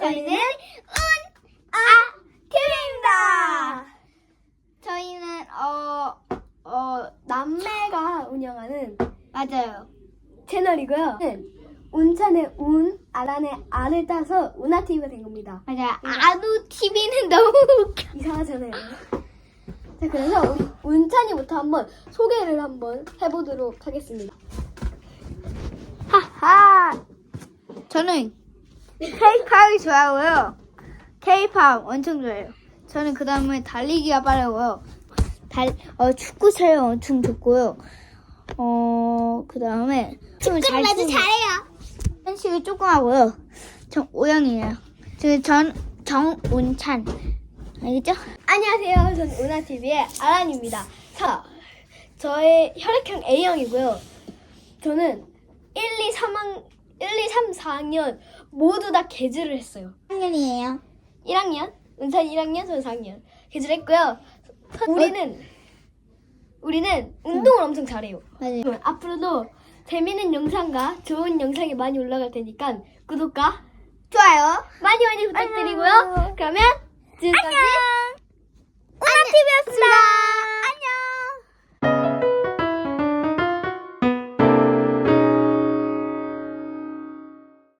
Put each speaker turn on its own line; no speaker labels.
저희는 TV입니다. 저희는 남매가 운영하는
맞아요.
채널이고요. 운찬의 운, 아란의 안을 따서 운하TV가 된 겁니다.
맞아요. 아누 TV는 너무 웃겨.
이상하잖아요. 자, 그래서 우리 운찬이부터 한번 소개를 한번 해보도록 하겠습니다.
하하. 저는 K-팝이 좋아하고요. K-팝 엄청 좋아해요. 저는 그 다음에 달리기가 빠르고요. 축구 촬영 엄청 좋고요. 그 다음에
축구를 아주 잘해요.
한식이 조금 하고요. 전 O형이에요. 전 정운찬. 알겠죠?
안녕하세요. 저는 운하TV의 아란입니다. 자, 저의 혈액형 A형이고요. 저는 1, 2, 3, 4학년 모두 다 개주를 했어요.
학년이에요.
1학년, 운찬 1학년, 저는 4학년 개주를 했고요. 우리는 운동을 엄청 잘해요.
맞아요.
앞으로도 재밌는 영상과 좋은 영상이 많이 올라갈 테니까 구독과
좋아요.
많이 부탁드리고요. 그러면 지금까지
운하TV였습니다.